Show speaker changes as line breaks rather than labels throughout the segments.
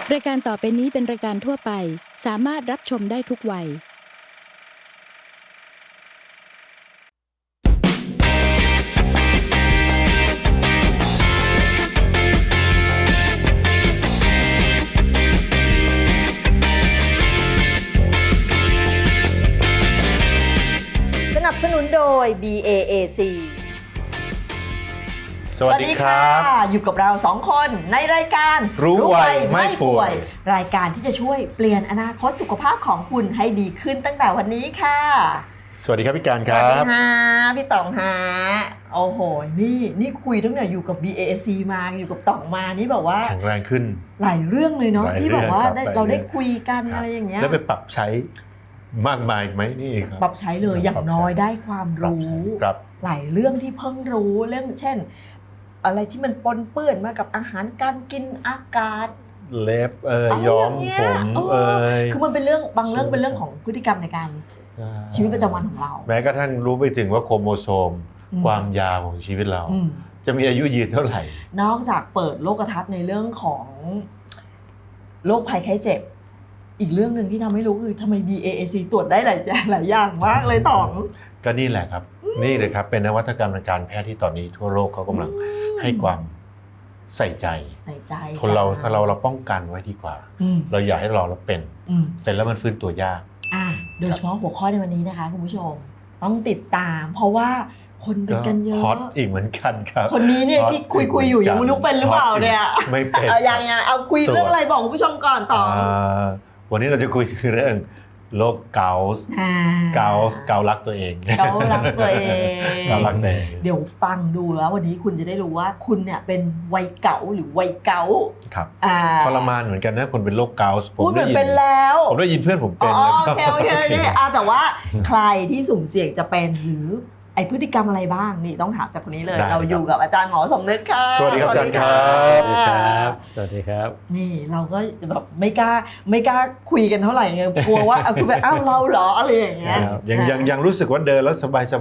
รายการต่อไปนี้เป็นรายการทั่วไปสามารถรับชมได้ทุกวัย
สนับสนุนโดย BAAC
สวัสดีครับ
อยู่กับเรา2คนในรายการ
รู้ไวไม่ป่วย
รายการที่จะช่วยเปลี่ยนอนาคตสุขภาพของคุณให้ดีขึ้นตั้งแต่วันนี้ค่ะ
สวัสดีครับพี่การ
ส
ค
วัส
รั
ดี
บ
ค่ะพี่ต๋องฮะโอ้โหนี่คุยตั้งแต่อยู่กับ BAAC มาอยู่กับต๋องมานี่แบบว่า
แข็งแรงขึ้น
หลายเรื่องเลยเนาะ
หลาย
ที่แบบว่า
เรื่องครับ
เราได้
หลายเรื่อง
คุยกัน
ครับ
อะไรอย่างเงี้ย
แล้วไปปรับใช้มากมายไหมนี่ครับ
ปรับใช้เลยอย่างน้อยได้ความรู้
ครับ
หลายเรื่องที่เพิ่งรู้เรื่องเช่น อะไรที่มันปนเปื้อนมากับอาหารการกินอากาศ
เล็บ
อะไร
ย้อม
อย่างเงี้ย
ผม
เออ
ย
คือมันเป็นเรื่องบางเรื่อง
ใช่
เป็นเรื่องของพฤติกรรมในการชีวิตประจำวันของเรา
แม้กระทั่งรู้ไปถึงว่าโครโมโซม
อืม
ความยาวของชีวิตเรา
อืม
จะมีอายุยืนเท่าไหร่
นอกจากเปิดโลกทัศน์ในเรื่องของโรคภัยไข้เจ็บ อีกเรื่องหนึ่งที่ทำให้รู้คือทำไม BAAC ตรวจได้หลายอย่างมากเลยต๋อง
ก็นี่แหละครับ นี่เลยครับเป็นนวัตกรรมทางการแพทย์ที่ตอนนี้ทั่วโลกเขากำลังให้ความใส่ใจ
ใส่ใจ
คนเราป้องกันไว้ดีกว่า
อืม
เราอยากให้เราเป็น
อืม
แต่แล้วมันฟื้นตัวยาก
โดยเฉพาะหัวข้อในวันนี้นะคะคุณผู้ชมต้องติดตาม เพราะว่าคนเป็นกันเยอะ
ฮอตอีกเหมือนกันครับ
คนนี้เนี่ยที่คุยอยู่ยังไม่รู้เป็นหรือเปล่าเนี่ย
ไม่เป็น
ยังเอาคุยเรื่องอะไรบอกคุณผู้ชมก่อนต่อ
วันนี้เราจะคุยถึงเรื่องโรคเกาต์เการักตัวเอง
เกาลักตัวเอง
เกาลักตัวเอง
เดี๋ยวฟังดูแล้ววันนี้คุณจะได้รู้ว่าคุณเนี่ยเป็นวัยเก๋าหรือวัยเก๋า
ครับ
อ่า
ทรมานเหมือนกันนะคนเป็นโรคเกาต์
พูดเหมือนเป็นแล้ว
ผมได้ยินเพื่อนผม
อ๋
เป็น
อ
แล้ว
โอเคนี่แต่ว่าใครที่สุ่มเสี่ยงจะเป็นหรือไอพฤติกรรมอะไรบ้างนี่ต้องถามจากคนนี้เลย เราอยู่กับอาจารย์หมอสมนึกค่ะ
สวัสดีครับอาจารย์ครับ
สวัสดีครับ สวัสดีครับ
นี่เราก็แบบไม่กล้าคุยกันเท่าไหร่ไงกลัวว่าคือแบบอ้าวเราเหรออะไรอย่างเงี้ย
ครับ
ยังรู้สึกว่าเดินแล้วสบาย
ใช่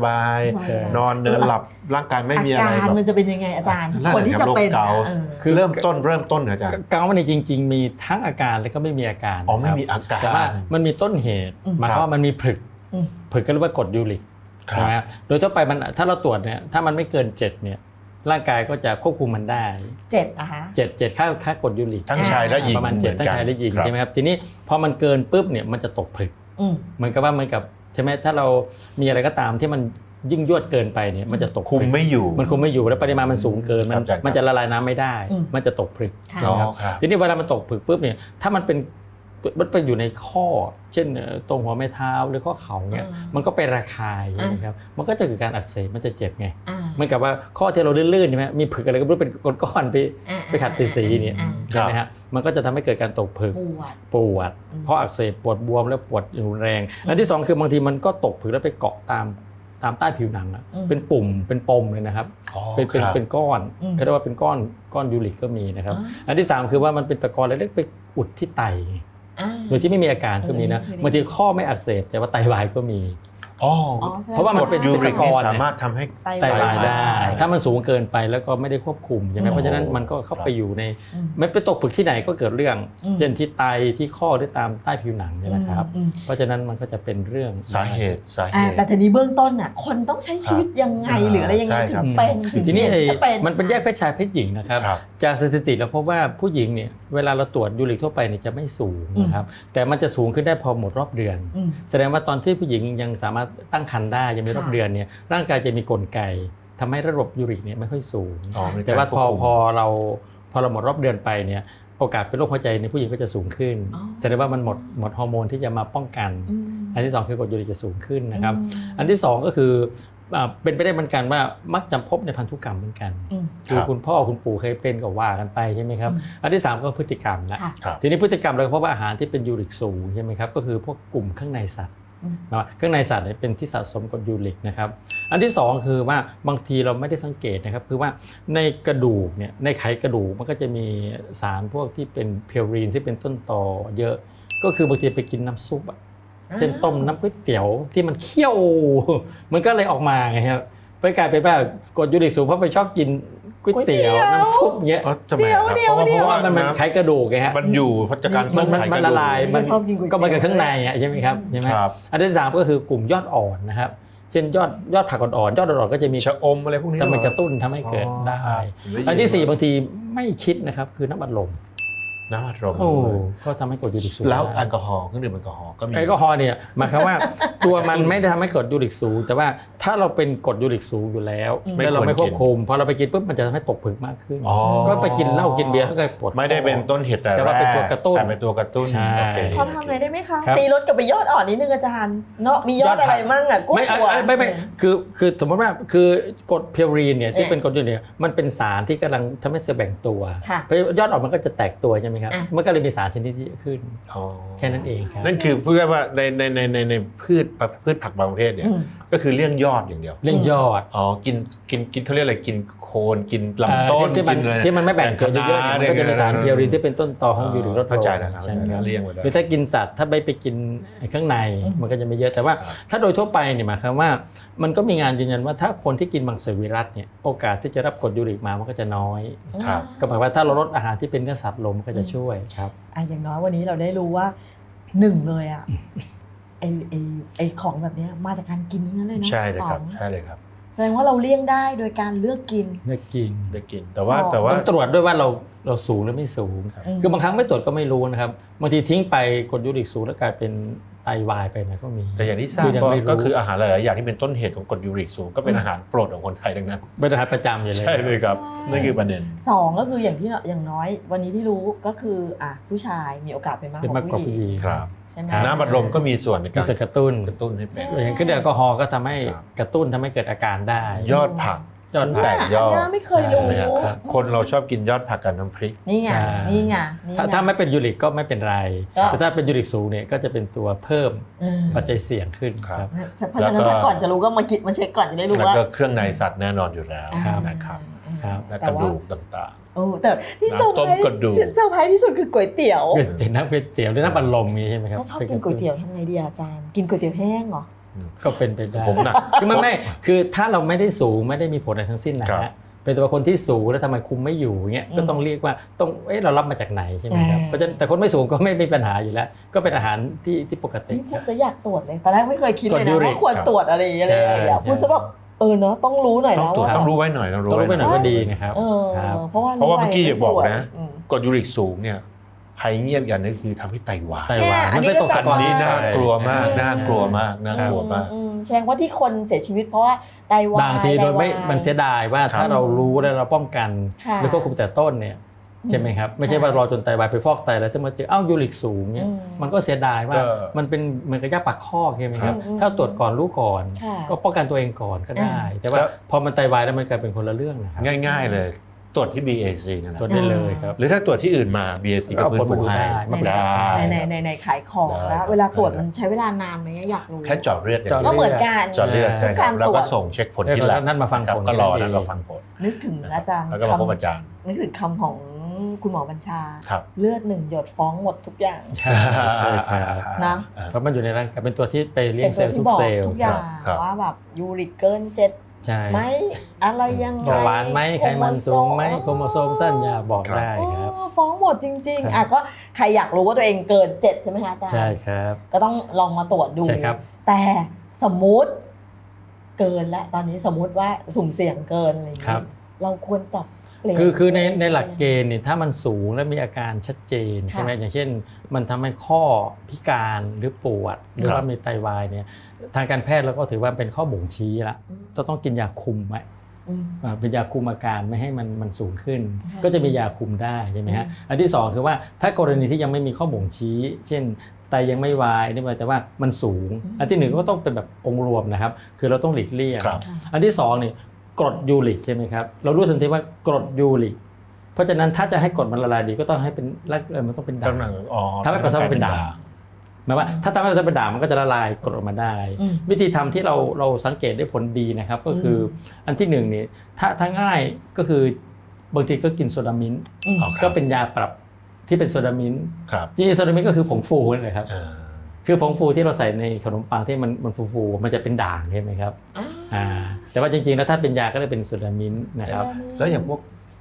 นอนเดินหลับร่างกายไม่มีอะไร
อาการ
แบบ
มันจะเป็นยังไงอาจารย์
นั่นแหละ
คนที่จะเป็น
ครับโรคเกาต์
คือ
เริ่มต้นเหรออาจารย์
เกาต์มันจริง ๆ มีทั้งอาการและก็ไม่มีอาการ
อ๋อไม่
ครับ
มีอาการ
แต่ว่ามันมีต้นเหตุหมายความว่ามันมีผลึก
อืม
ผลึกก็เรียกว่ากรดยูริก
ครับ
ใช่ไหมครับโดยทั่วไปมันถ้าเราตรวจเนี่ยถ้ามันไม่เกิน7เนี่ยร่างกายก็จะควบคุมมันได้
7นะคะ
7ค่ากรดยูริก
ทั้งชายและหญิง
ประมาณ
เห
7ทั้งชายและหญิง
ครับ
ใช่ไหมครับทีนี้พอมันเกินปุ๊บเนี่ยมันจะตกผลึก
อืม
เหมือนกับใช่ไหมถ้าเรามีอะไรก็ตามที่มันยิ่งยวดเกินไปเนี่ยมันจะตกผ
คุ
ลึ
ม
ก
ไม่อยู่
มันคุมไม่อยู่แล้วปริมาณมันสูงเกิน
ครับอาจารย์
มันจะละลายน้ำไม่ได้
อืม
มันจะตกผลึก
ค่ะ
อ๋อ
นะครับ
ครับ
ทีนี้เวลามันตกผลึกปุ๊บเนี่ยถ้ามันไปอยู่ในข้อ เช่นตรงหัวแม่เท้าหรือข้อเข่าเนี่ยมันก็ไประคายนะครับมันก็จะเกิดการอักเสบมันจะเจ็บไง
อ่า
เหมือนกับว่าข้อที่เราลื่นๆใช่ไหมมีผึกอะไรก็ไม่รู้เป็นก้อนๆไป
อ่า
ไปขัดไปสีเนี่ย
อ่า
ใช่ไหมฮะมันก็จะทำให้เกิดการตกผึก
ปวด
ปวดเพราะอักเสบปวดบวมแล้วปวดรุนแรงอันที่สองคือบางทีมันก็ตกผึกแล้วไปเกาะตามใต้ผิวหนังอะเป็นปุ่มเป็นปมเลยนะครับ
อ๋อ
เป็น
ครับ
ก้อน
อืม
เขาเรียกว่าเป็นก้อนยูริกก็มีนะครับ
อ๋อ
อันที่ 3 คือว่ามันเป็นตะกอนเล็กๆไปอุดที่ไต
อ่า
โดยที่ไม่มีอาการก็มีนะ
เคยได้
บางทีข้อไม่อักเสบแต่ว่าไตวายก็มี
อ๋อ
อ๋อแสดง
เพราะว่ามันเป็น
ยูริก
ตะก
นี่
อน
สามารถทำให้
ไตวายได้ ถ้ามันสูงเกินไปแล้วก็ไม่ได้ควบคุมใช่ไหม
โอ้
เพราะฉะนั้นมันก็เข้าไปอยู่ใน
อืม
ไม่ไปตกผึกที่ไหนก็เกิดเรื่อง
อืม
เช่นที่ไตที่ข้อหรือตามใต้ผิวหนังเนี่ยนะครับ
อืม
เพราะฉะนั้นมันก็จะเป็นเรื่อง
สาเหตุ
แต่ทีนี้เบื้องต้นน่ะคนต้องใช้ชีวิตยังไง
ครับ
หรืออะไรยังไง
ใช่
ถึ
ครับ
งเป็นถึง
ทีนี้
เสี่ยงจะเป็น
มันเป็นแยกเพศชายเพศหญิงนะครับ
ครับ
จากสถิติเราพบว่าผู้หญิงเนี่ยเวลาเราตรวจยูริกทั่วไปเนี่ยจะไม่สูงนะครับแต่มันจะสูงขึ้นได้พอหมดรอบเดือน
อืม
แสดงว่าตอนที่ผู้หญิงยังสามารถตั้งครรภ์ได้ยังมีรอบ
ค่ะ
เดือนเนี่ยร่างกายจะมีกลไกทำให้ระบบยูริกเนี่ยไม่ค่อยสูง
อ๋อมี
แต่ว่า
การควบคุม
พอเราหมดรอบเดือนไปเนี่ยโอกาสเป็นโรคหัวใจในผู้หญิงก็จะสูงขึ้น
อ๋อ
แสดงว่ามันหมดฮอร์โมนที่จะมาป้องกัน
อืม
อันที่สองคือกรดยูริกจะสูงขึ้นนะครับ
อืม
อันที่สองก็คือเป็นไปได้เหมือนกันว่ามักจะพบในพันธุกรรมเหมือนกัน
อืม
คือ
ครับ
คุณพ่อคุณปู่เคยเป็นก็ว่ากันไปใช่ไหมครับ
อืม
อันที่ 3 ก็พฤติกรรมละ
ค่ะ
ครับ
ทีนี้พฤติกรรมเราก็พบว่าอาหารที่เป็นยูริกสูงใช่ไหมครับก็คือพวกกลุ่มข้างในสัตว์
อืม
นะข้างในสัตว์เนี่ยเป็นที่สะสมกรดยูริกนะครับอันที่ 2 คือว่าบางทีเราไม่ได้สังเกตนะครับคือว่าในกระดูกเนี่ยในไขกระดูกมันก็จะมีสารพวกที่เป็นเพลรีนที่เป็นต้นตอเยอะ ก็คือบางทีไปกินน้ำซุปอะเช่นต้มน้ำก๋วยเตี๋ยวที่มันเคี่ยว มันก็เลยออกมาไงครับไปกลายเป็นว่ากรดยูริกสูงเพราะไปชอบกินก๋วยเตี๋ยวน้ำซุปเงี้ย
อ๋อทำไมครับ
เดี๋ยว
เพราะว่า
มันไขกระดูกไงฮะ
มันอยู่พัฒการต้มไข่ก
มัน
ระ
ละ
ดูก
ลายมัน
ชอบกินก๋วยเตี๋ยว
ก็มากับข้างในอ่ะใช่ไหมครับใช่ไหม
ครับ
อันที่สามก็คือกลุ่มยอดอ่อนนะครับเช่นยอดผักอ่อนๆยอดอ่อนๆก็จะมี
ชะอมอะไรพวกนี้
ทำให้
เห
ก
อ
ระตุ้นทำให้เกิดได้
อ๋อ
อันที่สี่บางทีไม่คิดนะครับคือน้ำอัดลม
น้ำอัดลม
โอ้ก็ทำให้กรดยูริกสูง
แล้ว
ได้
แอลกอฮอล์เครื่องดื่มแอลกอฮอล์ก็มี
แอลกอฮอล์เนี่ยหมายความว่าตัวมันไม่ได้ทำให้กรดยูริกสูงแต่ว่าถ้าเราเป็นกรดยูริกสูงอยู่แล้วแล้วเราไม่ควบคุมพอเราไปกินปุ๊บมันจะทำให้ตกผึกมากขึ้น
อ๋อ
ก็ไปกินเหล้ากินเบียร์แล้วก็ปวดคอ
ไม่ได้เป็นต้นเหตุแต่
แต่ว่า
แร
เป็น
ก
ตัวกระตุ้น
แต่เป็นตัวกระตุ้น
ใช่
โอเค
เขาทำอะไรได้ไหมคะ
ครับ
ตีรถกลับไปยอดอ่อนนิดนึงอาจารย์เนาะมียอดอะไรมั่งอ่ะกุ้ง
ไม่
หัว
ไม่คือสมมติว่าคือกรดเพลีนเนี่ยที่เป็นกรดยูริกเนี่ยมันเป็นสารที่กำลังทำให้เซลล์แบ่งตัว
ค่ะ
เพราะยอดอ่อนมันก็จะแตกตัวใช่ไหมครับ
อ่ะ
มันก็เลยมีสารชนิดที่เยอะขึ้น
อ๋อ
แค่นั้นเองครับ
นั่นคือพูดง่ายๆว่าในพืชผักบางประเภทเนี่ย
อืม
ก็คือเลี่ยงยอดอย่างเดียว
เรื่องยอด
อ๋อกินเขาเรียกอะไรกินโคนกินลำต้น
ที่มัน
กินอะไร
ที่มันไม่แบ่งตัวเยอะๆเนี่ยมันก็จะมีสารเพลีนที่เป็นต้นตอของยูริกลดลง
เข้าใจแล้วครับ
ใช่ไหมครับ
เลี่ยงไว้ได้
หรือถ้ากินสัตว์ถ้าไปกินข้างในมันก็จะไม่เยอะแต่ว่า ถ้าโดยทั่วไปเนี่ยหมายความว่ามันก็มีงานยืนยันว่าถ้าคนที่กินมังสวิรัติเนี่ยโอกาสที่จะรับกรดยูริกมามันก็จะน้อย
ครับ
ก็หมายว่าถ้าเราลดอาหารที่เป็นเนื้อสัตว์ลงมันก็จะช่วยครับ
อย่างน้อยวันนี้เราได้รู้ว่าหนึ่งเลยอ่ะไอของแบบเนี้ยมาจากการกินทั้งนั้นเลยเนาะ
ใช่เลยครับ
ป๋อง
ใช่เลยครับ
แสดงว่าเราเลี่ยงได้โดยการเลือกกิน
เนื้อกิน
ได้กินแต่ว่า
สอง
แต่ว่า
ต้องตรวจด้วยว่าเราสูงหรือไม่สูง
อืม
คือบางครั้งไม่ตรวจก็ไม่รู้นะครับบางทีทิ้งไปกรดยูริกสูงแล้วกลายเป็นไตวายไปนะก็มี
แต่อย่างที่ทราบ
คือยังไม่รู้
ก็คืออาหารหลายๆอย่างที่เป็นต้นเหตุของกรดยูริกสูงก็เป็นอาหารโปรดของคนไทยดังนั้น
เป็นอาหารประจำอยู่เลย
ใช่เลยครับนั่นคือประเด็น
สองก็คืออย่างน้อยวันนี้ที่รู้ก็คือผู้ชายมีโอกาสเป็นมาก
เป็น
ก
มาก
ว่าก
ว่า
ผู้
ผู้
ห
ห
ญิ
ญิ
ง
ง
ครับ
ใช่ไหม
น้ำบัดลมก็มีส่วนใน
มี
การ
ส่วนกระตุ้น
กระตุ้นให้เป็น
อย่างเครื่องดื่มแอลกอฮอล์ก็ทำให้
ครับ
กระตุ้นทำให้เกิดอาการได้
ยอดผัก
ยอดผัก
แตกยอด
อันเนี้ยไม่เคยรู้
ใช่ไหมครับ คนเราชอบกินยอดผักกับน้ำพริก
นี่ไง
ใช่
นี่ไงนี่ไง
ถ้าไม่เป็นยูริกก็ไม่เป็นไร
ก็
แต่ถ้าเป็นยูริกสูงเนี่ยก็จะเป็นตัวเพิ่ม
เออ
ปัจจัยเสี่ยงขึ้น
ครับ
ครับ
เพราะฉะนั้นถ้าก่อนจะรู้ก็มาเช็คก่อนจะได้รู้
แล้ว
ว่า
ก็เครื่องในสัตว์แน่นอนอยู่แล้ว
ครับ
นะครับ
ครับ
และ
แต่
กระ
ว่า
ดูกต่าง
โอ้แต่ที่เซอร์ไพร
น้ำต้ม
ส์
กระดูก
เซอร์ไพรส์ที่สุดคือก๋วยเตี๋ยว
เป็นน้ำก๋วยเตี๋ยวหรือน้ำบัลลมนี้ใช่ไหมครับ
ถ้าชอบกินก๋วยเตี๋ยวทำไงดีอาจารย์ กินก๋วยเตี๋ยวแห้งเหรอ
ก็เป็นไปได้
ผมหนัก
คือไม่คือถ้าเราไม่ได้สูงไม่ได้มีผลอะไรทั้งสิ้นนะ
ครั
ฮะ
บ
เป็นตัวคนที่สูงแล้วทำไมคุมไม่อยู่เงี้ย
อืม
ก็ต้องเรียกว่าต้องเรารับมาจากไหนใช่ไหมครับ
อ่า
เพราะฉะนั้นแต่คนไม่สูงก็ไม่มีปัญหาอยู่แล้ว ก็เป็นอาหารที่ปกติ
นี่พู
ค
ด
รับ
ซะอยากตรวจเลยตอนแรกไม่เคยคิดเลย
ตรวจยู
นะ
ริก
ว่าควรตรวจอะไรอย่างเงี้ยเลย
ใช่
อยากพูดซะแบบเนาะต้องรู้หน่อย
ต้อง
แล้ว
ตรวจ
ว่า
ต้องรู้ไว้หน่อยต้องรู้
ต้องรู้ไปหน่อย
ไว้
ก็ดีนะครับ
เออ
ครับ
เพราะว่า
เพราะว่าเมื่อกี้อยากบอกนะ
อืม
กรดยูริกสูงเนี่ยภัยเงียบอย่างหนึงคือทำให้ไตวาย
ไตวาย
เนี่ย
มันเป็นตัว
อั
กาน ร
นี้
อันนี้
ก็
น่ากลัวมาก
ใช่
น่ากลัวมากน่ากลัวมาก
แสดงว่าที่คนเสียชีวิตเพราะว่าไตวาย
บางทีโดยไม่
ไตวาย
มันเสียดายว่า
ครับ
ถ้าเรารู้แล้วเราป้องกัน
ค่ะ
หรือควบคุมแต่ต้นเนี่ยใช่ไหมครับไม่ใช่ว่ารอจนไตวายไปฟอกไตแล้วจะมาเจอยูริกสูงเนี่ย
อืม
มันก็เสียดายว่า
ก็
มันเป็นเหมือนกับยาปากข้อใช่ไหมครับ
อืม
ถ้าตรวจก่อนรู้ก่อน
ค่ะ
ก็ป้องกันตัวเองก่อนก็ได้ แต่ว่าพอมันไตวายแล้วมันกลายเป็นคนละเรื่องนะครับ
ง่าย ๆ เลยตรวจที่ BAC นั่นแหละ
ตรวจได้เลยครับ
หรือถ้าตรวจที่อื่นมา BAC ก็ฟื้นฟูให้
ไม่เป็นไร
ในขายของ
ได้
แล้ว เวลาตรวจมันใช้เวลานานไหมอยากรู้
แค่เจาะเลือดอย่าง
เจาะ
เดี
ก็
ยว
เหมือนกัน
เจาะเลือดใช่ครับ
ทุกการ
แล้ว
ตรว
ก็
จ
ส่งเช็คผลที่แลบ
นัดมาฟัง
ครับ
ผล
ก็รอ
กัน
แล้ว
ดี
ก็ฟังผล
นึกถึงอาจารย์
แล้วก็มาพบอาจารย์
นึกถึงคำของคุณหมอบัญชา
ครับ
เลือดหนึ่งหยดฟ้องหมดทุกอย่าง
ใช่ใช่ครับ
นะ
เพราะมันอยู่ในร่างกายเป็นตัวที่ไปเลี้ย
เป็
ง
น
เซ
ตัว
ลล์
ที่
ทุก
บอก
เซลล์
ทุกอย่าง
ครับ
ว่าแบบยูริกเกิน7
ใช่
ไหมอะไรยังไง
เบาหวานไหมไขมันสูงไหมโครโมโซมสั้นยาบอกได้ครับ
ฟ้องหมดจริง
ครับ
ๆก็ใครอยากรู้ว่าตัวเองเกิน7ใช่ไหมคะอาจารย์
ใช่ครับ
ก็ต้องลองมาตรวจดู
ใช่ครับ
แต่สมมุติเกินและตอนนี้สมมุติว่าสุ่มเสี่ยงเกินอะไรอย่าง
ครั
เงี้
บ
ยเราควรปรับเปลี่ยน
คือในหลักเกณฑ์เนี่ยถ้ามันสูงและมีอาการชัดเจน
ค่ะ
ใช่ไหมอย่างเช่น มันทำให้ข้อพิการหรือปวดหรือ
ครับ
ว่ามีไตวายเนี่ยทางการแพทย์เราก็ถือว่าเป็นข้อบ่งชี้ละต้องกินยาคุมไว้
อืม
เป็นยาคุมอาการไม่ให้มันสูงขึ้น
ค่ะ
ก็จะมียาคุมได้ใช่ไหมฮะอันที่สองคือว่าถ้ากรณีที่ยังไม่มีข้อบ่งชี้ เช่นไตยังไม่วายนี่หมายแต่ว่ามันสูง อันที่หนึ่งก็ต้องเป็นแบบองค์รวมนะครับคือเราต้องหลีกเลี่ยง
ครับ
อันที่สองนี่กรดยูริกใช่ไหมครับเรารู้ทันทีว่ากรดยูริกเพราะฉะนั้นถ้าจะให้กรดมันละลายดีก็ต้องให้เป็นมันต้องเป็นด่าง
กำลังอ๋อ
ทำให้ปัสสาวะเป็นด่างหมายว่าถ้าทำให้ปัสสาวะเป็นด่างมันก็จะละลายกรดออกมาได้
อืม
วิธีทำที่เราสังเกตได้ผลดีนะครับก็คืออันที่หนึ่งนี่ถ้าง่ายก็คือบางทีก็กินโซดามินท์
อืม
อ๋อครับ
ก็เป็นยาปรับที่เป็นโซดามินท์
ครับ
จริงๆโซดามินท์ก็คือผงฟูนั่นแหละครับ
เออ
คือผงฟูที่เราใส่ในขนมปังที่มันฟูๆมันจะเป็นด่างใช่ไหมครับแต่ว่าจริงๆแล้วถ้าเป็นยาก็เลยเป็นโซดามินท์นะครับ
แล้วอย่างพวก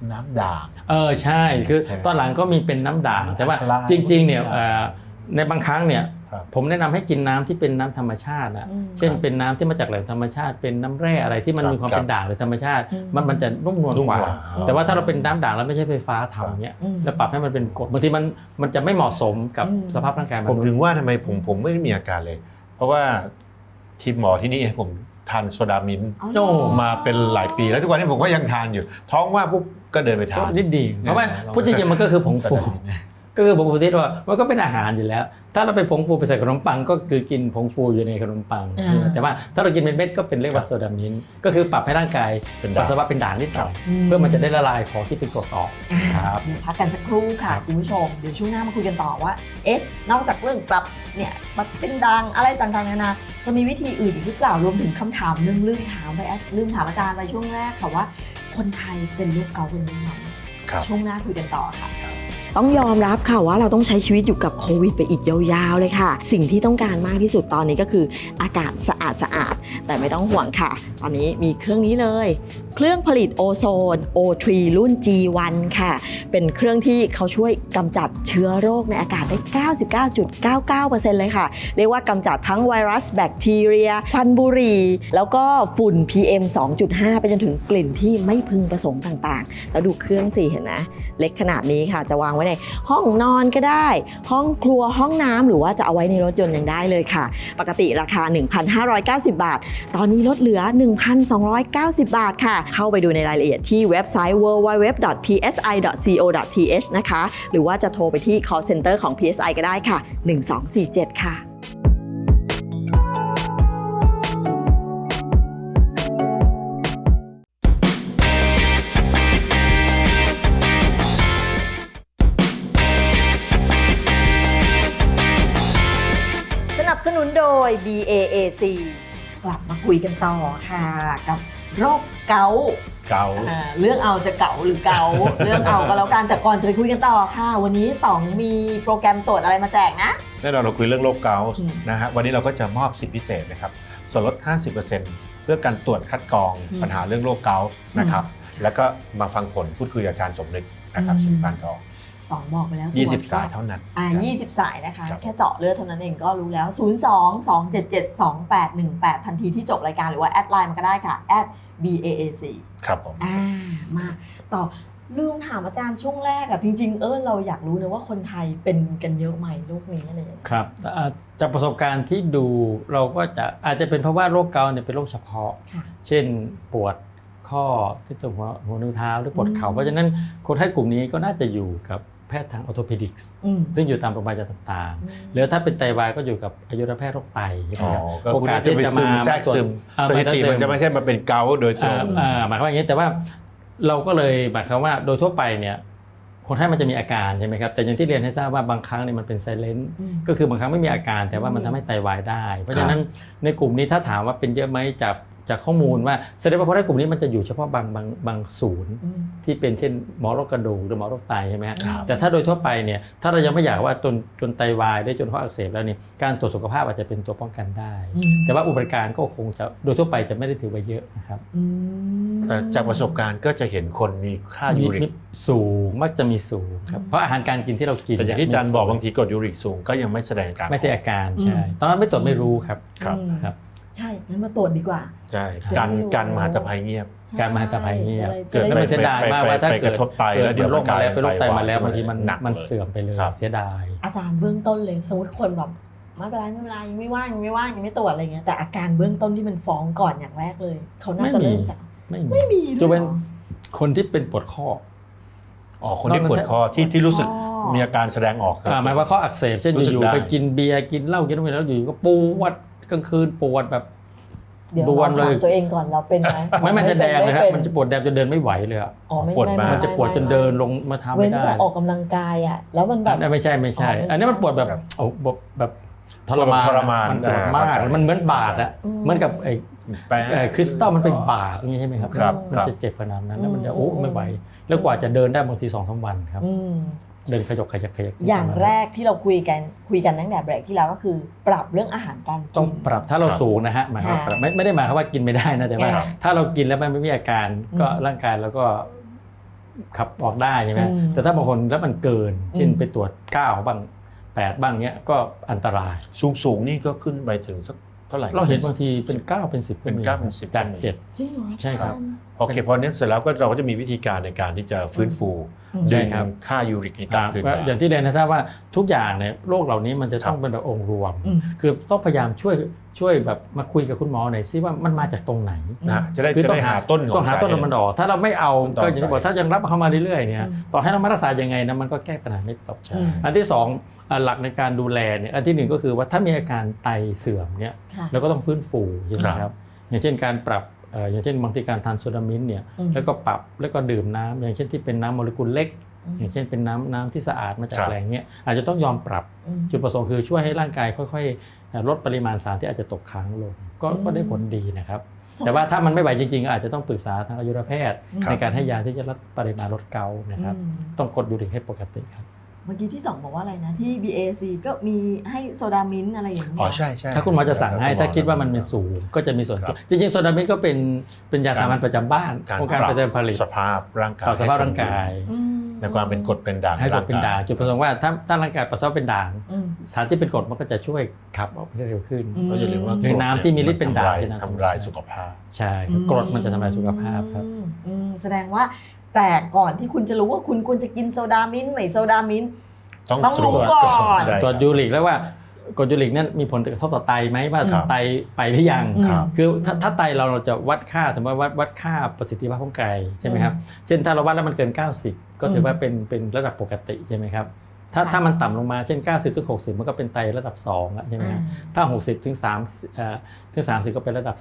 น้ำด่าง
ใช่คือ
ใช่ไหม
ตอนหลังก็มีเป็นน้ำด่างแต่ว่า
อัลคาไลน์
จริงๆเนี่ยในบางครั้งเนี่ย
ครับ
ผมแนะนำให้กินน้ำที่เป็นน้ำธรรมชาตินะเช่นเป็นน้ำที่มาจากแหล่งธรรมชาติเป็นน้ำแร่อะไรที่มันมีความเป็นด่างหรือธรรมชาติมันจะนุ่มนวลกว่า แต่ว่าถ้าเราเป็นน้ำด่างแล้วไม่ใช่ไฟฟ้าทำเนี่ยแล้วปรับให้มันเป็นกรดบางทีมันจะไม่เหมาะสมกับสภาพร่างกายม
ผม
นุษ
ถึ
ย์
งว่าทำไมผมไม่ได้มีอาการเลย เพราะว่าทีมหมอที่นี่ให้ผมทานโซดามินท์
โอ้
มาเป็นหลายปีแล้วทุกวันนี้ผมก็ยังทานอยู่ ท้องว่างปุ๊บก็เดินไปทาน
นิดดีเพราะว่าพูดจริงๆมันก็คือผงฟู ก็คือผงฟูที่ว่ามันก็เป็นอาหารอยู่แล้ว ถ้าเราไปผงฟูไปใส่ขนมปังก็คือกินผงฟูอยู่ในขนมปัง แต่ว่าถ้าเรากินเป็นเม็ดก็เป็นเรียกว่าโซดามินท์ก็คือปรับให้ร่างกาย
เป็นด่าง
ปัสสาวะเป็นด่างนิดหน่อยเพื่อมันจะได้ละลายของที่เป็นกรดออกครับ
เดี๋ยวพักกันสักครู่ค่ะคุณผู้ชมเดี๋ยวช่วงหน้ามาคุยกันต่อว่านอกจากเรื่องปรับเนี่ยมันเป็นดังอะไรต่างๆนานาจะมีวิธีอื่นอีกหรือเปล่ารวมถึงคำถามลืมถามอาจารย์ไปช่วงแรกค่ะว่าคนไทยเป็นโรคเกาต์เป็นยังไง
ครับ
ช่วงหน้าคุยกันต่อค่ะ ต้องยอมรับค่ะว่าเราต้องใช้ชีวิตอยู่กับโควิดไปอีกยาวๆเลยค่ะ สิ่งที่ต้องการมากที่สุดตอนนี้ก็คืออากาศสะอาดแต่ไม่ต้องห่วงค่ะ ตอนนี้มีเครื่องนี้เลย เครื่องผลิตโอโซน O3 รุ่น G1 ค่ะ เป็นเครื่องที่เขาช่วยกำจัดเชื้อโรคในอากาศได้ 99.99% เลยค่ะ เรียกว่ากำจัดทั้งไวรัสแบคทีเรียควันบุหรี่แล้วก็ฝุ่น PM 2.5 ไปจนถึงกลิ่นที่ไม่พึงประสงค์ต่างๆ แล้วดูเครื่องสิเห็นไหมเล็กขนาดนี้ค่ะจะวางไว้ในห้องนอนก็ได้ ห้องครัวห้องน้ำหรือว่าจะเอาไว้ในรถยนต์ยังได้เลยค่ะ ปกติราคา 1,590 บาท ตอนนี้ลดเหลือ 1,290 บาทค่ะ เข้าไปดูในรายละเอียดที่เว็บไซต์ www.psi.co.th นะคะหรือว่าจะโทรไปที่ call center ของ PSI ก็ได้ค่ะ 1247 ค่ะ สนับสนุนโดย BAAC กลับมาคุยกันต่อค่ะกับโรคเกาต์
เกา
เรื่องเอาจะเก๋าหรือเกา เรื่องเอาก็แล้วกันแต่ก่อนจะไปคุยกันต่อค่ะ วันนี้ต๋องมีโปรแกรมตรวจอะไรมาแจกนะ
แน่นอนเราคุยเรื่องโรคเกาต์
อืม
นะฮะวันนี้เราก็จะมอบสิทธิพิเศษนะครับส่วนลด 50%เพื่อการตรวจคัดกรองปัญหาเรื่องโรคเกาต์นะครับแล้วก็มาฟังผลพูดคุยกับอาจารย์สมนึกนะครับสิบพันทอง
ต๋องบอกไปแล้ว
20 สายเท่านั้น
20 สายนะคะ
ครับ
แค่เจาะเลือดเท่านั้นเองก็รู้แล้ว 02-277-2818 ทันทีที่จบรายการหรือว่าแอดไลน์มันก็ได้ค่ะ @BAAC
ครับผม
มาต่อลืมถามอาจารย์ช่วงแรกอะจริงๆเราอยากรู้นะว่าคนไทยเป็นกันเยอะไหมโรคนี้อะไรอย่างเงี้ย
ครับจากประสบการณ์ที่ดูเราก็จะอาจจะเป็นเพราะว่าโรคเกาต์เนี่ยเป็นโรคเฉพาะ
ค่ะ
เช่นปวดข้อที่ตรงหัวนิ้วเท้าหรือปวดเข่าเพราะฉะนั้นคนไข้กลุ่มนี้ก็น่าจะอยู่กับแพทย์ทางออร์โทเพดิกส์ ซึ่งอยู่ตามโรงพยาบาลต่างๆหรือถ้าเป็นไตวายก็อยู่กับอายุรแพทย์โรคไตใช่ไหมครับ
ก็
โอ
คุณ
กาส
จะ
ที่
ไป
จะ
ซึ
มาม
แทรกซึมสถิติมันจะไม่ใช่มาเป็นเกาต์โดยตรง
หมายความว่าอย่างนี้แต่ว่าเราก็เลยหมายความว่าโดยทั่วไปเนี่ยคนไข้มันจะมีอาการใช่ไหมครับแต่อย่างที่เรียนให้ทราบว่าบางครั้งเนี่ยมันเป็นไซเลนต์ก็คือบางครั้งไม่มีอาการแต่ว่ามันทำให้ไตวายได้ เพราะฉะนั้นในกลุ่มนี้ถ้าถามว่าเป็นเยอะไหมจากข้อมูลว่าแสดงว่าคนไข้กลุ่มนี้มันจะอยู่เฉพาะบางศูนย์ที่เป็นเช่นหมอโรคกระดูกหรือหมอโรคไตใช่ไหมครับ แต่ถ้าโดยทั่วไปเนี่ยถ้าเรายังไม่อยากว่าจนไตวายได้จนข้ออักเสบแล้วเนี่ยการตรวจสุขภาพอาจจะเป็นตัวป้องกันได้ แต่ว่าอุปการก็คงจะโดยทั่วไปจะไม่ได้ถือว่าเยอะนะครับ
แต่จากประสบการณ์ก็จะเห็นคนมีค่ายูริ
มี
ก
สูงมักจะมีสูงครับเพราะอาหารการกินที่เรากิน
แต่อย่างที่อาจารย์บอกบางทีกรดยูริกสูงก็ยังไม่แสดงอาการ
ไม่ใช่อาการใช่ตอนนั้นไม่ตรวจไม่รู้ครับ
ครับ
ครับ
ใช่งั้นมาตรวจดีกว่า
ใช่
จะได้รู้
กันมหันตภัยเงียบ
การมหันตภัยเงียบ
จะได้
แล้วมันเสียดายมากว่าถ้า
ไปก
เกิด
ระทบไตแล้วเดี๋ยว
โรคมาแล้ว
มันกลาย
เป็นโรคไตมาแล้ว
ไตวาย
บางทีมัน
หนัก
มัน
เลย
เสื่อมไปเลย
ครับ
เสียดาย
อาจารย์เบื้องต้นเลยสมมติคนแบบไม่เป็นไรยังไม่ว่างยังไม่ตรวจอะไรเงี้ยแต่อาการเบื้องต้นที่มันฟ้องก่อนอย่างแรกเลยเขาน่าจะเริ่มจาก
ไม่มี
ด้
จะ
วย
เป็น
หรอ
คนที่เป็นปวดข้อ
คนที่ปวดคอที่รู้สึก
อ๋อ
มีอาการแสดงออกครับ
หมายว่าข้ออักเสบเช่น
รู้สึก
อยู่
ได้
ๆไปกินเบียร์กินเหล้ากินอะไรแล้วอยู่ๆก็ปวดกลางคืนปวดแบบ
เดี๋ยว
ดว
เรา
นเลย
ถามตัวเองก่อนเราเป็นไหม
มันจะแดงเลยครับ
ไเป็
มันจะปวดแดงจนเดินไม่ไหวเลยอะ
อ๋อไม่
ปวดมาก
มันจะปวดจนเดินลงมาเท้า
เว้
ไม่
น
ได้
แต่ออกกำลังกายอ่ะแล้วมันแบบ
ไม่ใช่
อ๋อไม่ใช่
อันนี้มันปวดแบบโอ้แบบทรมาน
ทรมาน
มันปวดมาก
เข้าใจ
มันเหมือนบาดอะ
อืม
เหมือนกับไอ้
แป้ง
คริสตัลมันเป็นบาดอย่างนี้ใช่ไหมครับ
ครับ
มันจะเจ็บขนาดนั้นแล้วมันจะโอ้ไม่ไหวแล้วกว่าจะเดินได้บางที2-3 วันครับ
อืม
เดินขยกขยัก
อย่างแรกที่เราคุยกันตั้งแต่เบรกที่แล้วก็คือ ปรับเรื่องอาหารการ
ต้อ
กิ
ง
น
ปรับถ้าเราสูงนะฮะหมายความว่า
ค่ะ
ปรับไม่ได้หมายความว่ากินไม่ได้นะแต่ว่า
ครับ
ถ้าเรากินแล้วมันไม่มีอาการก็
อืม
ร่างกายเราก็ขับออกได้ใช่ไหม
อืม
แต่ถ้าบางคนแล้วมันเกินเช่น
อืม
ไปตรวจ9บ้าง8บ้างเนี้ยก็อันตราย
สูงนี่ก็ขึ้นไปถึงสักเท่าไหร่
เราเห็นบางทีเป็น9เป็น10
เป็น9เป็น10
จาก
ก็มี
7
จริงเหรอ
ใช่ครับ
โอเคพอเนี้ยเสร็จแล้วก็เราก็จะมีวิธีการในการที่จะฟื้นฟู
ใช่
ดึง
ครับ
ค่ายูริกนี่กลับคืน
ว่า
มา
อย่างที่เรียนนะถ้าว่าทุกอย่างเนี่ยโรคเหล่านี้มันจะต้อง
ครับ
เป็นแบบองค์รวม
อืม
คือต้องพยายามช่วยแบบมาคุยกับคุณหมอหน่อยซิว่ามันมาจากตรงไหน
นะจะได้
คือ
จะ
ต้อง
ได้หาต้นของ
ต้องหาต้น
สเหตุ
มันออกถ้าเราไม่เอา
ต้นตอ
ก็อย่างที่บอก
สาเหตุ
ถ้ายังรับเข้ามาเรื่อยๆเนี่ย
อืม
ต่อให้เรามารักษายังไงนะมันก็แก้ปัญหาไม่ตก
ใช่
อันที่สองหลักในการดูแลเนี่ยอันที่หนึ่งก็คือว่าถ้ามีอาการไตเสื่อมเนี่ย
ค่ะ
เราก็ต้องฟื้นฟูใช่ไหม
ค
ค
รั
รับ บอย่างเช่นการปรับอย่างเช่นบางทีการทานโซดามินเนี่ย
อืม
แล้วก็ปรับแล้วก็ดื่มน้ำอย่างเช่นที่เป็นน้ำโมเลกุลเล็ก
อืม
อย่างเช่นเป็นน้ำที่สะอาดมาจาก
ครับ
แหล่งเนี้ยอาจจะต้องยอมปรับ
อืม
จุดประสงค์คือช่วยให้ร่างกายค่อยๆลดปริมาณสารที่อาจจะตกค้างลงก็ได้ผลดีนะครับ แต่ว่าถ้ามันไม่ไหวจริงๆก็อาจจะต้องปรึกษาทางอายุรแพทย์
ครับ
ในการให้ยาที่จะลดปริมาณลดเกาต์นะครับ
อืม
ต้องกดยูริกให้ปกติครับ
เมื่อกี้ที่ต่องบอกว่าอะไรนะที่ BAC ก็มีให้โซดามินท์อะไรอย่างเงี้ย
อ๋อใช่ใช่
ถ้าคุณหมอจะสั่งให้ถ้าคิดว่ามันเป็นสูงก็จะมีส่วน
ครับ
จริงๆโซดามินก็เป็นยาสามัญประจำบ้าน
การ
องค์การ
ปรับ
ประจำผลิต
สภาพร่างกาย
ต่อสภาพร่างกาย
อืม
ในความเป็นกรดเป็นด่าง
ให้กรดเป็นด่างจุดประสงค์ว่าถ้าร่างกายปัสสาวะเป็นด่าง
อืม
สารที่เป็นกรดมันก็จะช่วยขับออกได้เร็วขึ้น
อืม
ก็อย่าลืมว่า
หรือน้ำที่มีฤทธิ์เป็นด่าง
ทำลายสุขภาพ
ใช่ครับกรดมันจะทำลายสุขภาพครับ
แสดงว่าแต่ก่อนที่คุณจะรู้ว่าคุณควรจะกินโซดามินท์ไม่โซดามินท์
ต้อง
ต้อง
ตรวจ
รู้ก่อน
ใช่
ตรวจยูริกแล้วว่า กรดยูริกนั้นมีผลกระทบต่อไตไหมว่า
ครับ
ไตไปหรือยัง
ครับ
คือถ้าไตเราจะวัดค่าสมมติว่าวัดค่าประสิทธิภาพของไตใช่ไหมครับเช่นถ้าเราวัดแล้วมันเกิน 90 ก็ถือว่าเป็นระดับปกติใช่ไหมครับถ้ามันต่ำลงมาเช่น 90 ถึง 60 มันก็เป็นไตระดับ2แล้วใช่ไหมครับถ้า 60 ถึง30 ก็เป็นระดับ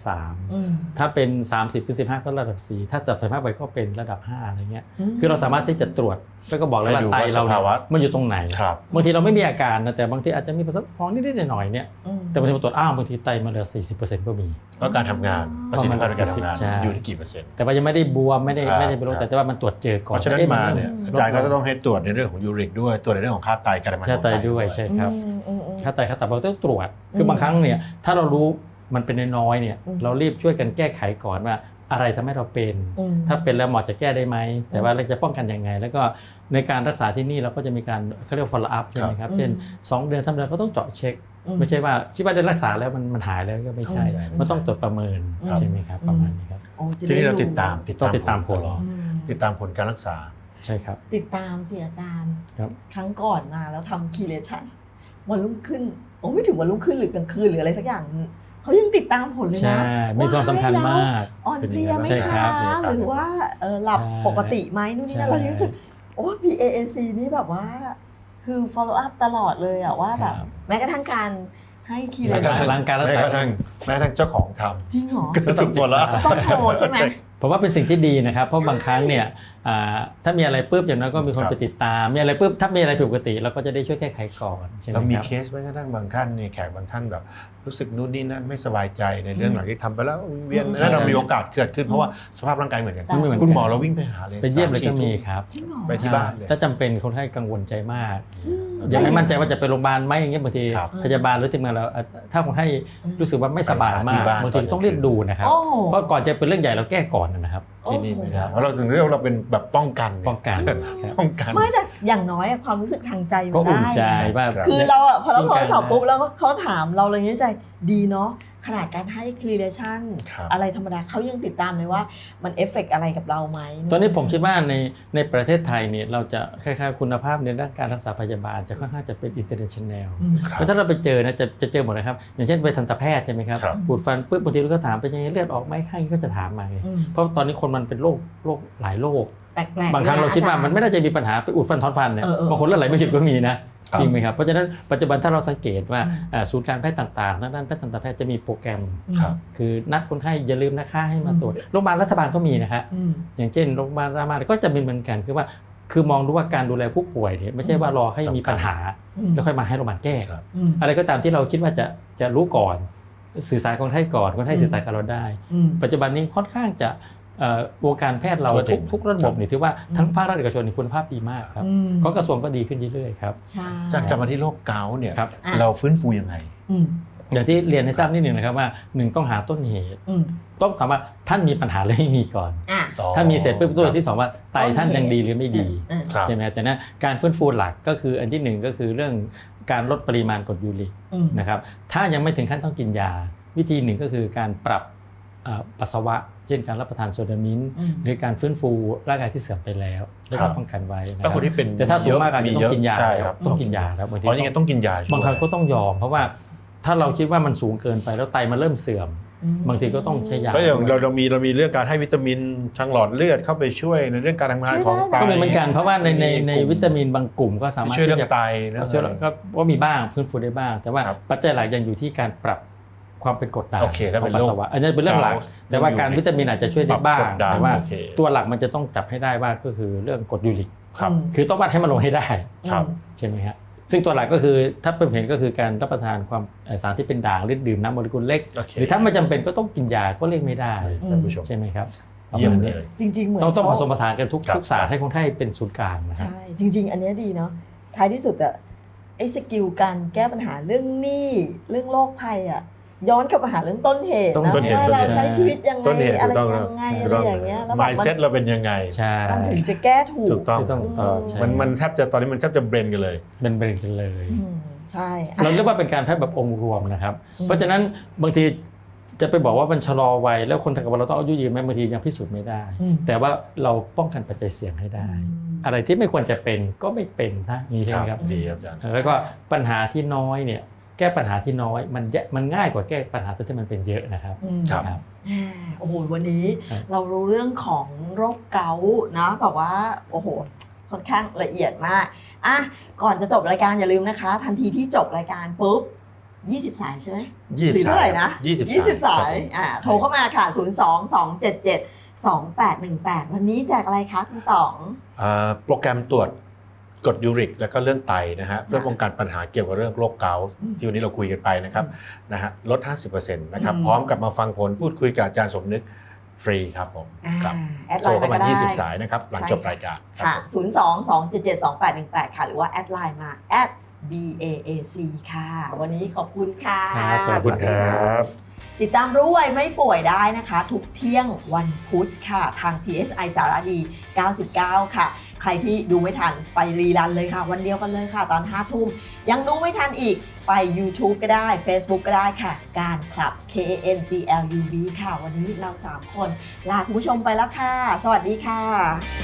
3 ถ้าเป็น 30 ถึง 15 ก็ระดับ 4 ถ้าสับสภาพไปก็เป็นระดับ 5 อะไรเงี้ยคือเราสามารถที่จะตรวจแล้วก็บอกเลยว่า
ให้ดู
ไต
ว่า
เรา
สภาวะ
มันอยู่ตรงไหน
ครับ
บางทีเราไม่มีอาการนะแต่บางทีอาจจะมีประสบพองนิดๆหน่อยๆเนี่ยแต่บางทีมาตรวจบางทีไตมันเหลือ 40% ก็มี
ก็การทำงานประสิทธิภาพในการทำงาน
ใช่
อยู่ที่กี่เปอร์เซ็นต์
แต่ว่ายังไม่ได้บวมไม่ได้
ครับ
เป็นโรค
ครับ
แต่ว่ามันตรวจเจอก่อน
เพราะฉะนั้น
อ๊
มาเนี่ย
ล
อา
ด
จารย์ก็
ล
จะต้องให้ตรวจในเรื่องของยูริกด้วยตรวจในเรื่องของค่าไตการทำงาน
ค่า
ของ
ไต
ไต
ด้วยใช่ครับ
อืม
ค่าไตค่าตับเราต้องตรวจคือบางครั้งเนี่ยถ้าเรารู้มันเป็นน้อยๆเนี่ย
อืม
เรารีบช่วยกันแก้ไขก่อนว่าอะไรทำให้เราเป็น ถ้าเป็นแล้วหมอจะแก้ได้ไหมแต่ว่าเราจะป้องกันยังไง แล้วก็ในการรักษาที่นี่เราก็จะมีการเขาเรียก follow up ใช่ไหมครับเช่น2 เดือน3 เดือนก็ต้องเจาะเช็ค ไม่ใช่ว่าคิดว่าได้รักษาแล้วมันหายแล้วก็ไม่ใช่ มันต้องตรวจประเมินใช่ไหมครับประมาณนี้ครับ
โอ้จะ
ทีนี้
ได้
เราติดตาม
ต้องติดตามผล
ตลอด
อืม
ติดตามผลการรักษา
ใช่ครับ
ติดตามสิอาจารย์
ครับ
ครั้งก่อนมาแล้วทำคีเลชันวันรุ่งขึ้นโอ้ไม่ถึงวันรุ่งขึ้นหรือกลางคืนหรืออะไรสักอย่างเขายังติดตามผลเลย
ใช่
นะ
มีความสำคัญมาก
อ่อนเพลียไหม
ใช่ครั
คะ
บ
หรือว่าหลับ
ใช่
ปกติไหมนู่นนี่นั่น
ใช่
เรารู้สึกโอ้ BAC นี่แบบว่า คือ follow up ตลอดเลยอะว่าแบบ
ครับ
แม้กระทั่งการให้คีเล
แม้ก
ชั
ระ
น
ทั่ง
ร่างการรัก
แม้
ษา
กระทั่งเจ้าของท
จริงเหรอ
ำก็ถูกหมดแล้ว
ต้องโทรใช่ไหม
ผมว่าเป็นสิ่งที่ดีนะครับ เพราะบางครั้งเนี่ยถ้ามีอะไรปุ๊บอย่างน้อยก็มีคน
ครับ
ไปติดตาม มีอะไรปุ๊บถ้ามีอะไรผิดปกติเราก็จะได้ช่วยแก้ไขก่อนใช่ไหม
เรามี
ครับ
เคสแม้กระทั่งบางท่านเนี่ยแขกบางท่านแบบรู้สึกนู่นนี่นั่นไม่สบายใจในเรื่องหลังที่ทำไปแล้วเวียน
อืม
แล้วเรามีโอกาสเกิดขึ้นเพราะว่าสภาพร่างกายเหมือนกัน
ไม่เหมือนกัน
คุณหมอเราวิ่งไปหาเลย
ไปเยี่ยมเลยก็
3-4
มี
ทุ่
ครับ
จริงเหรอ
ไปที่บ้านเลย
ถ้าจำเป็นคนไข้กังวลใจมาก
อืม
ยังไม่มั่นใจว่าจะไปโรงพยาบาลไหมอย่างเงี้ยบางที
ครับ
พยาบาลหรือทีมงานเราถ้าคนไข้รู้สึกว่าไม่สบายมาก
ไปหาที่บ้าน
บางทีต้องรีบดูนะครับ
โอ้
เพราะก่อนจะเป็นเรื่องใหญ่เราแก้ก่อนนะครับ
ที่นี่ไม่ได้เพราะเราถึงเรียกว่าเราเป็นแบบป้องกันไง
ป้องกันครับ
ป้องกัน
ไม่แต่อย่างน้อยอะความรู้สึกทางใจมั
ก็
น
อุ่น
ได้
ใจ
นะ
ว่า
ครับ
คือเราอะพอเรา
ป้
โท
อง
ร
กัน
ศัพท์ปุ๊บแล้วเขาถามเราเลยนี้ใจดีเนาะขนาดการให้คลีเลชัน
ครับ
อะไรธรรมดาเขายังติดตามเลยว่ามันเอฟเฟกอะไรกับเราไหม
ตอนนี้ผมคิดว่าในประเทศไทยเนี่ยเราจะคล้ายๆคุณภาพในด้านการรักษาพยาบาลจะค่อนข้างจะเป็น international
อืม
ครับ
เพราะถ้าเราไปเจอนะจะเจอหมดนะครับอย่างเช่นไปทันตแพทย์ใช่ไหมครับ
ครับ
ปวดฟันปุ๊บบางทีเราก็ถามเป็นยังไงเลือดออกไหมข้างนี้ก็จะถามมาไง
อืม
เพราะตอนนี้คนมันเป็นโรคหลายโรค
แปลกๆ
บางครั้งเราคิดว่ามันไม่น่าจะมีปัญหาไปอุดฟันถอนฟันเนี่ย
เออ
บางคนเลือดไหลไม่หยุดก็มีนะครับ จริงไหมครับเพราะฉะนั้นปัจจุบันถ้าเราสังเกตว่าศูนย์การแพทย์ต่างๆทางด้านแพทย์ทันตแพทย์จะมีโปรแกรม
ครับ
คือนัดคนไข้อย่าลืมนะคะให้มาตรวจโรงพยาบาลรัฐบาลก็มีนะฮะ
อืม
อย่างเช่นโรงพยาบาลรามาก็จะเป็นเหมือนกันคือมองดูว่าการดูแลผู้ป่วยเนี่ยไม่ใช่ว่ารอให้มีปัญหา
อืม
แล้วค่อยมาให้โรงพยาบาลแก้
ครับ
อืม
อะไรก็ตามที่เราคิดว่าจะรู้ก่อนสื่อสารคนไข้ก่อนคนไข้สื่อสารกับเราได้
อืม
ปัจจุบันนี้ค่อนข้างจะวงการแพทย์เรา
ทั่วถึง
ทุกระบบนี่ถือว่าทั้งภาครัฐเอกชนนี่คุณภาพดีมากครับ
อืม
ก็กระทรวงก็ดีขึ้นเรื่อยๆครับ
ใช่
จากกลับมาที่โรคเกาต์เนี่ย
ครับ
อ่ะ
เราฟื้นฟูยังไง
อืม
ผอย่างที่เรียนให้ทราบนิดหนึ่งนะครับว่า1ต้องหาต้นเหตุต้องถามว่าท่านมีปัญหาหรือไม่มีก่อนถ้ามีเสร็จปุ๊บตัวที่2ว่าไตท่านยังดีหรือไม่ดีใช่ไหมแต่นะการฟื้นฟูหลักก็คืออันที่1ก็คือเรื่องการลดปริมาณกรดยูริกนะครับถ้ายังไม่ถึงขั้นต้องกินยาวิธีหนึ่งก็คือการปรับปัสสาวะเช่นการรับประทานโซดามินหรือการฟื้นฟูร่างกายที่เสื่อมไปแล้วแล้วก็ป้องกันไว้นะครับ
คนที่เป็น
แต่ถ้าสูงมากอาจจะต้องกินยาต้องกินยาครับบางที
ต้องกินยา
บางครั้งก็ต้องยอมเพราะว่าถ้าเราคิดว่ามันสูงเกินไปแล้วไตมันเริ่มเสื่อมบางทีก็ต้องใช้ยา
แล้วอย่างเรามีเรื่องการให้วิตามินทางหลอดเลือดเข้าไปช่วยในเรื่องการทำงานของไต
ก็มีเหมือนกันเพราะว่าในวิตามินบางกลุ่มก็สามารถ
ช่วยเรื่องไตนะ
ก็มีบ้างฟื้นฟูได้บ้างแต่ว่าปัจจัยหลักยังอยู่ที่การปรับความเป็นกรดด่างของปัสสาวะอันนี้เป็นเรื่องหลักแต่ว่าการวิตามินอาจจะช่วยได้บ้างแต่ว่าตัวหลักมันจะต้องจับให้ได้ว่าก็คือเรื่องกรดยูริกคือต้องวัดให้มันลงให้ได้ใช่ไหมครับซึ่งตัวหลักก็คือถ้าเป็นเห็นก็คือการรับประทานความสารที่เป็นด่างหรือดื่มน้ำโมเลกุลเล็กหรือถ้าไม่จำเป็นก็ต้องกินยาก็เลี่ยงไม่ได้ท่านผู้ชมใช่ไหมครับ
เยี่ยมเลย
จริงๆเหมือน
ต้องผสมผสานกันทุกศาสตร์ให้คนไข้เป็นศูนย์กลางนะครับ
ใช่จริงๆอันนี้ดีเนาะท้ายที่สุดอะไอ้สกิลการแก้ปัญหาเรื่องหนี้เรื่องโรคภัยอะย้อนกลับมาหาเรื่องต้นเหตุนะว่าเราใช้ชีวิตยังไงอะไรยังไงอะไรอย่างเงี้ย
แล้วmindsetเราเป็นยังไง
มันถึงจะแก้ถู
กต้องมันแทบจะตอนนี้มันแทบจะเบรนกันเลย
เป็นเบรนกันเลย
ใช่
เราเรียกว่าเป็นการแพทย์แบบองค์รวมนะครับเพราะฉะนั้นบางทีจะไปบอกว่ามันชะลอวัยแล้วคนทำกับเราต้องอายุยืนไหมบางทียังพิสูจน์ไม่ได้แต่ว่าเราป้องกันปัจจัยเสี่ยงให้ได้อะไรที่ไม่ควรจะเป็นก็ไม่เป็นซะนี่ใช่ไหมครับ
ดีครับอาจารย์
แล้วก็ปัญหาที่น้อยเนี่ยแก้ปัญหาที่น้อยมันง่ายกว่าแก้ปัญหาที่มันเป็นเยอะนะครับ
ครับ
โอ้โหวันนี้เรารู้เรื่องของโรคเกาต์นะแบบว่าโอ้โหค่อนข้างละเอียดมากอ่ะก่อนจะจบรายการอย่าลืมนะคะทันทีที่จบรายการปุ๊บ20สายใช่ไหมหรือเท่าไหร่นะ20สายโทรเข้ามาค่ะ02-277-2818วันนี้แจกอะไรคะคุณต๋อง
โปรแกรมตรวจกรดยูริกแล้วก็เรื่องไตนะฮะเพื่อป้องกันปัญหาเกี่ยวกับเรื่องโรคเกาต์ที่วันนี้เราคุยกันไปนะครับนะฮะลด 50% นะครับพร้อมกับมาฟังผลพูดคุยกับอาจารย์สมนึกฟรีครับผมครับโทรเข้ามา20สายนะครับหลังจบรายการ
ค่ะ02-277-2818ค่ะหรือว่าแอดไลน์มา@BAAC ค่ะวันนี้ขอบคุณค่ะ
ขอบคุณครับ
ติดตามรู้ไวไม่ป่วยได้นะคะทุกเที่ยงวันพุธค่ะทาง PSI สารดี99ค่ะใครที่ดูไม่ทันไปรีรันเลยค่ะวันเดียวกันเลยค่ะตอน 5 ทุ่มยังดูไม่ทันอีกไป YouTube ก็ได้ Facebook ก็ได้ค่ะการคลับ KANCLUB ค่ะวันนี้เรา3คนลาคุณผู้ชมไปแล้วค่ะสวัสดีค่ะ